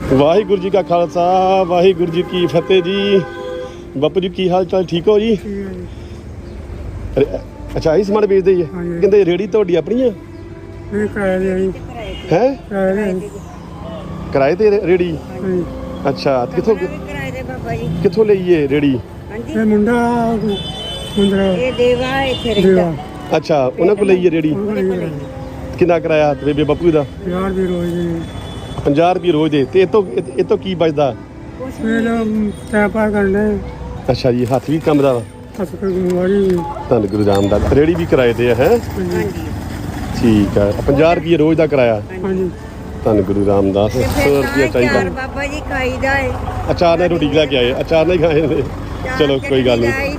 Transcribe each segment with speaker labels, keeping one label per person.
Speaker 1: ਵਾਹਿਗੁਰੂ ਜੀ ਕਾ ਖਾਲਸਾ ਵਾਹਿਗੁਰੂ ਜੀ ਕੀ ਫਤਿਹ ਜੀ। ਬਾਪੂ ਜੀ ਕੀ ਹਾਲ ਚਾਲ, ਠੀਕ ਹੋ ਜੀ? ਅੱਛਾ ਆਹੀ ਸਮਾਨ ਵੇਚਦੇ ਜੀ? ਕਹਿੰਦੇ ਰੇੜੀ ਤੁਹਾਡੀ ਆਪਣੀ ਆ? ਹੈ ਕਿਰਾਏ ਤੇ ਰੇੜੀ? ਅੱਛਾ ਕਿੱਥੋਂ ਲਈਏ ਰੇੜੀ? ਅੱਛਾ ਉਹਨਾਂ ਕੋਲ ਲਈਏ ਰੇੜੀ। ਕਿੰਨਾ ਕਿਰਾਇਆ ਬੇਬੇ ਬਾਪੂ ਦਾ? 50 ਰੁਪਏ ਰੋਜ਼ ਦੇ। ਤੇ ਇਹ ਤੋਂ ਕੀ ਬਚਦਾ? ਅੱਛਾ ਜੀ, ਹੱਥ ਵੀ ਕੰਮ ਦਾ ਵਾ? ਧੰਨ ਗੁਰੂ ਰਾਮਦਾਸ। ਰੇੜੀ ਵੀ ਕਿਰਾਏ ਤੇ ਹੈ? ਠੀਕ ਹੈ। 50 ਰੁਪਏ ਰੋਜ਼ ਦਾ ਕਿਰਾਇਆ? ਧੰਨ ਗੁਰੂ ਰਾਮਦਾਸ। 100 ਰੁਪਏ ਚਾਹੀਦਾ ਬਾਬਾ ਜੀ ਖਾਈਦਾ ਹੈ। ਅਚਾਰ ਨਾਲ ਰੋਟੀ ਲੈ ਕੇ ਆਏ? ਅਚਾਰ ਨਾਲ ਹੀ ਖਾਏ ਨੇ? ਚਲੋ ਕੋਈ ਗੱਲ ਨਹੀਂ,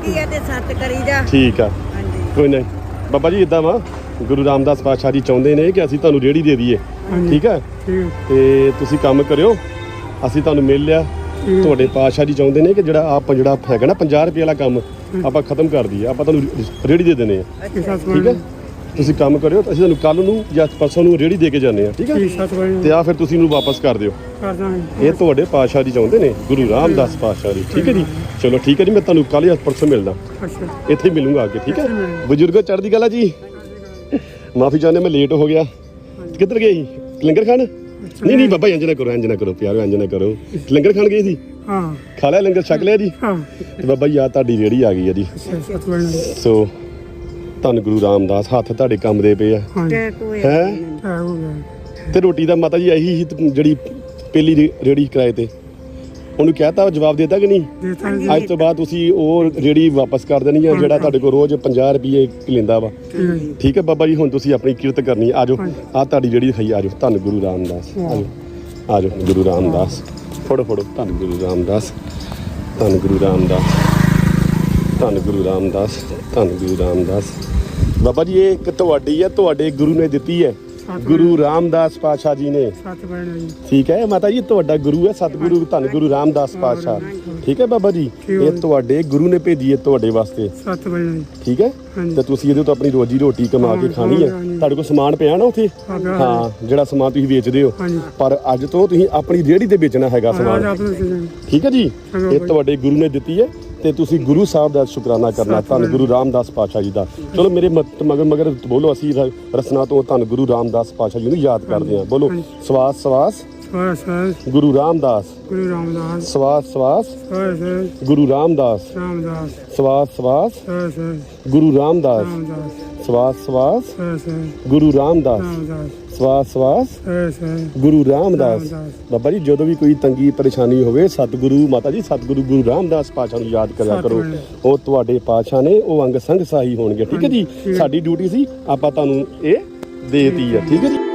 Speaker 1: ਠੀਕ ਆ, ਕੋਈ ਨਹੀਂ। ਬਾਬਾ ਜੀ ਇੱਦਾਂ ਵਾ, ਗੁਰੂ ਰਾਮਦਾਸ ਪਾਤਸ਼ਾਹ ਜੀ ਚਾਹੁੰਦੇ ਨੇ ਕਿ ਅਸੀਂ ਤੁਹਾਨੂੰ ਰੇੜੀ ਦੇ ਦਈਏ, ਠੀਕ ਹੈ? ਤੇ ਤੁਸੀਂ ਕੰਮ ਕਰਿਓ, ਅਸੀਂ ਤੁਹਾਨੂੰ ਮਿਲ ਲਿਆ। ਤੁਹਾਡੇ ਪਾਤਸ਼ਾਹ ਜੀ ਚਾਹੁੰਦੇ ਨੇ ਕਿ ਜਿਹੜਾ ਹੈਗਾ ਨਾ 50 ਰੁਪਏ ਵਾਲਾ ਕੰਮ ਆਪਾਂ ਖਤਮ ਕਰ ਦਈਏ, ਆਪਾਂ ਤੁਹਾਨੂੰ ਰੇੜੀ ਦੇ ਦੇਣੇ ਆ, ਠੀਕ ਹੈ? ਤੁਸੀਂ ਕੰਮ ਕਰਿਓ, ਅਸੀਂ ਤੁਹਾਨੂੰ ਕੱਲ ਨੂੰ ਜਾਂ ਪਰਸੋਂ ਨੂੰ ਰੇੜੀ ਦੇ ਕੇ ਜਾਂਦੇ ਆ, ਠੀਕ ਹੈ? ਤੇ ਆ ਫਿਰ ਤੁਸੀਂ ਇਹਨੂੰ ਵਾਪਸ ਕਰ ਦਿਓ। ਇਹ ਤੁਹਾਡੇ ਪਾਤਸ਼ਾਹ ਜੀ ਚਾਹੁੰਦੇ ਨੇ, ਗੁਰੂ ਰਾਮਦਾਸ ਪਾਤਸ਼ਾਹ ਜੀ, ਠੀਕ ਹੈ ਜੀ? ਚਲੋ ਠੀਕ ਹੈ ਜੀ, ਮੈਂ ਤੁਹਾਨੂੰ ਕੱਲ ਜਾਂ ਪਰਸੋਂ ਮਿਲਦਾ, ਇੱਥੇ ਹੀ ਮਿਲੂੰਗਾ ਅੱਗੇ, ਠੀਕ ਹੈ? ਬਜ਼ੁਰਗੋ ਚੜ੍ਹਦੀ ਕਲਾ ਜੀ। ਮਾਫੀ ਚਾਹੁੰਦੇ ਮੈਂ ਲੇਟ ਹੋ ਗਿਆ। ਕਿੱਧਰ ਗਏ ਸੀ? ਲੰਗਰ ਖਾਣ? ਨਹੀਂ ਬਾਬਾ ਇੰਜ ਨਾ ਕਰੋ ਪਿਆਰੋ, ਇੰਜ ਨਾ ਕਰੋ। ਲੰਗਰ ਖਾਣ ਗਏ ਸੀ? ਖਾ ਲਿਆ ਲੰਗਰ, ਛਕ ਲਿਆ ਜੀ? ਤੇ ਬਾਬਾ ਜੀ ਆ ਤੁਹਾਡੀ ਰੇੜੀ ਆ ਗਈ ਹੈ ਜੀ। ਸੋ ਧੰਨ ਗੁਰੂ ਰਾਮਦਾਸ, ਹੱਥ ਤੁਹਾਡੇ ਕੰਮ ਦੇ ਪਏ ਆ ਹੈ। ਤੇ ਰੋਟੀ ਦਾ ਮਾਤਾ ਜੀ ਇਹੀ ਜਿਹੜੀ ਪਹਿਲੀ ਰੇੜੀ ਕਿਰਾਏ ਤੇ, ਉਹਨੂੰ ਕਹਿਤਾ, ਜਵਾਬ ਦੇਤਾ ਕਿ ਨਹੀਂ? ਅੱਜ ਤੋਂ ਬਾਅਦ ਤੁਸੀਂ ਉਹ ਰੇੜੀ ਵਾਪਸ ਕਰ ਦੇਣੀ ਆ, ਜਿਹੜਾ ਤੁਹਾਡੇ ਕੋਲ ਰੋਜ਼ 50 ਰੁਪਏ ਲੈਂਦਾ ਵਾ, ਠੀਕ ਹੈ ਬਾਬਾ ਜੀ? ਹੁਣ ਤੁਸੀਂ ਆਪਣੀ ਕਿਰਤ ਕਰਨੀ। ਆਜੋ, ਆ ਤੁਹਾਡੀ ਰੇੜੀ ਖਾਈ, ਆਜੋ। ਧੰਨ ਗੁਰੂ ਰਾਮਦਾਸ, ਆਜੋ ਗੁਰੂ ਰਾਮਦਾਸ। ਫੜੋ ਧੰਨ ਗੁਰੂ ਰਾਮਦਾਸ, ਧੰਨ ਗੁਰੂ ਰਾਮਦਾਸ, ਧੰਨ ਗੁਰੂ ਰਾਮਦਾਸ, ਧੰਨ ਗੁਰੂ ਰਾਮਦਾਸ। ਬਾਬਾ ਜੀ ਇਹ ਇੱਕ ਤੁਹਾਡੀ ਹੈ, ਤੁਹਾਡੇ ਗੁਰੂ ਨੇ ਦਿੱਤੀ ਹੈ, ਗੁਰੂ ਰਾਮਦਾਸ ਪਾਤਸ਼ਾਹ ਜੀ ਨੇ, ਠੀਕ ਹੈ ਮਾਤਾ ਜੀ? ਤੁਹਾਡਾ ਗੁਰੂ ਹੈ ਸਤਿਗੁਰੂ ਧੰਨ ਗੁਰੂ ਰਾਮਦਾਸ ਪਾਤਸ਼ਾਹ, ਠੀਕ ਹੈ ਬਾਬਾ ਜੀ? ਇਹ ਤੁਹਾਡੇ ਗੁਰੂ ਨੇ ਭੇਜੀ ਹੈ ਤੁਹਾਡੇ ਵਾਸਤੇ, ਠੀਕ ਹੈ? ਤੇ ਤੁਸੀਂ ਇਹਦੇ ਤੋਂ ਆਪਣੀ ਰੋਜੀ ਰੋਟੀ ਕਮਾ ਕੇ ਖਾਣੀ ਹੈ। ਤੁਹਾਡੇ ਕੋਲ ਸਮਾਨ ਪਿਆ ਨਾ ਉੱਥੇ? ਹਾਂ, ਜਿਹੜਾ ਸਮਾਨ ਤੁਸੀਂ ਵੇਚਦੇ ਹੋ, ਪਰ ਅੱਜ ਤੋਂ ਤੁਸੀਂ ਆਪਣੀ ਰੇਹੜੀ ਤੇ ਵੇਚਣਾ ਹੈਗਾ ਸਮਾਨ, ਠੀਕ ਹੈ ਜੀ? ਇਹ ਤੁਹਾਡੇ ਗੁਰੂ ਨੇ ਦਿੱਤੀ ਹੈ ਤੇ ਤੁਸੀਂ ਗੁਰੂ ਸਾਹਿਬ ਦਾ ਸ਼ੁਕਰਾਨਾ ਕਰਨਾ, ਧੰਨ ਗੁਰੂ ਰਾਮਦਾਸ ਪਾਤਸ਼ਾਹ ਜੀ ਦਾ। ਚਲੋ ਮੇਰੇ ਮਗਰ ਬੋਲੋ, ਅਸੀਂ ਰਸਨਾ ਤੋਂ ਧੰਨ ਗੁਰੂ ਰਾਮਦਾਸ ਪਾਤਸ਼ਾਹ ਜੀ ਨੂੰ ਯਾਦ ਕਰਦੇ ਹਾਂ। ਬੋਲੋ, ਸਵਾਸ ਸਵਾਸ ਗੁਰੂ ਰਾਮਦਾਸ, ਸਵਾਸ ਸਵਾਸ ਗੁਰੂ ਰਾਮਦਾਸ, ਸਵਾਸ ਸਵਾਸ ਗੁਰੂ ਰਾਮਦਾਸ, ਸਵਾਸ ਸਵਾਸ ਗੁਰੂ ਰਾਮਦਾਸ, ਸਵਾਸ ਸਵਾਸ ਗੁਰੂ ਰਾਮਦਾਸ। ਬਾਬਾ ਜੀ ਜਦੋਂ ਵੀ ਕੋਈ ਤੰਗੀ ਪਰੇਸ਼ਾਨੀ ਹੋਵੇ, ਸਤਿਗੁਰੂ ਮਾਤਾ ਜੀ, ਸਤਿਗੁਰੂ ਗੁਰੂ ਰਾਮਦਾਸ ਪਾਤਸ਼ਾਹ ਨੂੰ ਯਾਦ ਕਰਿਆ ਕਰੋ। ਉਹ ਤੁਹਾਡੇ ਪਾਤਸ਼ਾਹ ਨੇ, ਉਹ ਅੰਗ ਸੰਗ ਸਹਾਈ ਹੋਣਗੇ, ਠੀਕ ਹੈ ਜੀ? ਸਾਡੀ ਡਿਊਟੀ ਸੀ, ਆਪਾਂ ਤੁਹਾਨੂੰ ਇਹ ਦੇਤੀ ਹੈ, ਠੀਕ ਹੈ ਜੀ?